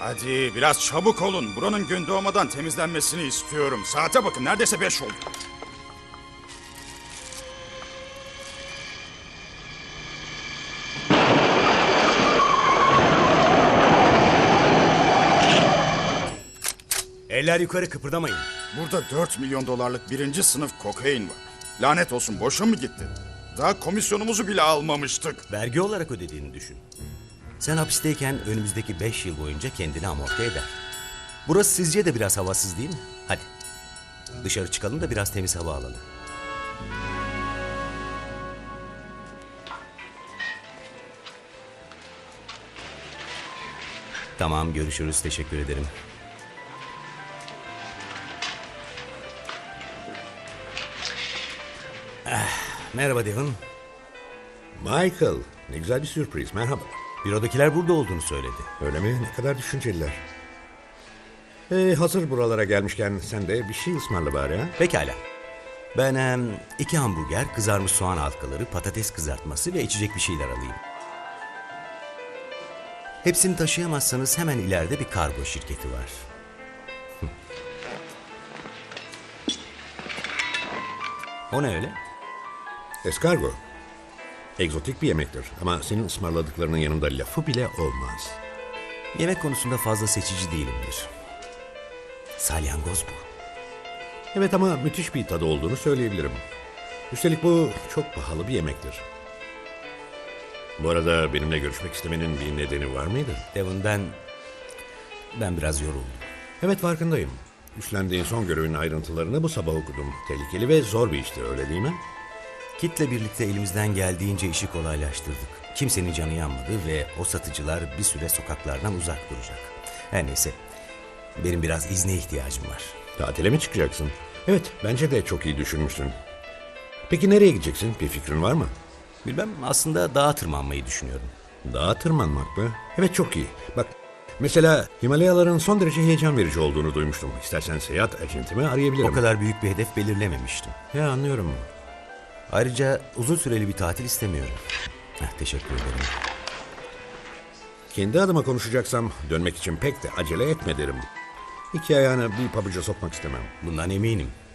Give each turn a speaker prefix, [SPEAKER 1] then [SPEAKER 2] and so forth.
[SPEAKER 1] Hadi biraz çabuk olun. Buranın gün doğmadan temizlenmesini istiyorum. Saate bakın, neredeyse 5 oldu.
[SPEAKER 2] Eller yukarı, kıpırdamayın.
[SPEAKER 1] Burada 4 milyon dolarlık birinci sınıf kokain var. Lanet olsun, boşa mı gitti? Daha komisyonumuzu bile almamıştık.
[SPEAKER 2] Vergi olarak ödediğini düşün. Sen hapisteyken önümüzdeki 5 yıl boyunca kendini amorti eder. Burası sizce de biraz havasız değil mi? Hadi. Dışarı çıkalım da biraz temiz hava alalım. Tamam, görüşürüz. Teşekkür ederim. Merhaba Devon.
[SPEAKER 3] Michael, ne güzel bir sürpriz. Merhaba.
[SPEAKER 2] Bürodakiler burada olduğunu söyledi.
[SPEAKER 3] Öyle mi? Ne kadar düşünceliler. Hazır buralara gelmişken sen de bir şey ısmarla bari ha?
[SPEAKER 2] Pekala. Ben 2 hamburger, kızarmış soğan halkaları, patates kızartması ve içecek bir şeyler alayım. Hepsini taşıyamazsanız hemen ileride bir kargo şirketi var. O ne öyle?
[SPEAKER 3] Eskargo. Egzotik bir yemektir ama senin ısmarladıklarının yanında lafı bile olmaz.
[SPEAKER 2] Yemek konusunda fazla seçici değilimdir. Salyangoz bu.
[SPEAKER 3] Evet ama müthiş bir tadı olduğunu söyleyebilirim. Üstelik bu çok pahalı bir yemektir. Bu arada benimle görüşmek istemenin bir nedeni var mıydı?
[SPEAKER 2] Devon, ben biraz yoruldum.
[SPEAKER 3] Evet, farkındayım. Üstlendiğin son görevin ayrıntılarını bu sabah okudum. Tehlikeli ve zor bir işti, öyle değil mi?
[SPEAKER 2] Kit'le birlikte elimizden geldiğince işi kolaylaştırdık. Kimsenin canı yanmadı ve o satıcılar bir süre sokaklardan uzak duracak. Her neyse, benim biraz izne ihtiyacım var.
[SPEAKER 3] Tatile mi çıkacaksın? Evet, bence de çok iyi düşünmüşsün. Peki nereye gideceksin? Bir fikrin var mı?
[SPEAKER 2] Bilmem, aslında dağa tırmanmayı düşünüyorum.
[SPEAKER 3] Dağa tırmanmak mı? Evet, çok iyi. Bak, mesela Himalayaların son derece heyecan verici olduğunu duymuştum. İstersen seyahat acentimi arayabilirim.
[SPEAKER 2] O kadar büyük bir hedef belirlememiştim.
[SPEAKER 3] Ya, anlıyorum.
[SPEAKER 2] Ayrıca uzun süreli bir tatil istemiyorum. Teşekkür ederim.
[SPEAKER 3] Kendi adıma konuşacaksam dönmek için pek de acele etme derim. İki ayağını bir pabuca sokmak istemem.
[SPEAKER 2] Bundan eminim.